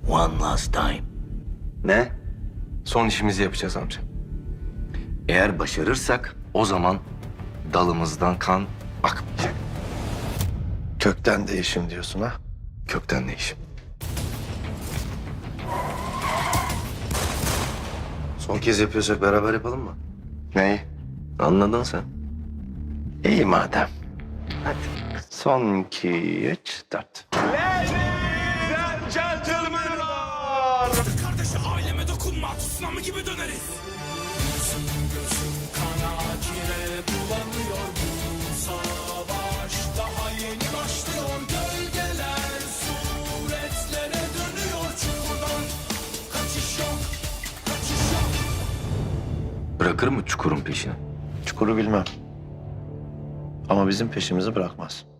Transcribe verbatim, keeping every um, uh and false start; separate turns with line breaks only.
One last time.
Ne? Son işimizi yapacağız amca.
Eğer başarırsak o zaman dalımızdan kan akmayacak.
Kökten değişim diyorsun ha?
Kökten değişim.
Son kez yapıyorsak beraber yapalım mı?
Neyi?
Anladın sen.
İyi madem. Hadi. Son iki, üç, dört.
Kardeşi aileme dokunma, tsunami gibi döneriz. Gözüm gözüm kana kire bulanıyor. Bu savaş daha yeni başlıyor. Gölgeler suretlere dönüyor. Çukurdan kaçış yok, kaçış yok.
Bırakır mı çukurun peşini?
Çukuru bilmem. Ama bizim peşimizi bırakmaz.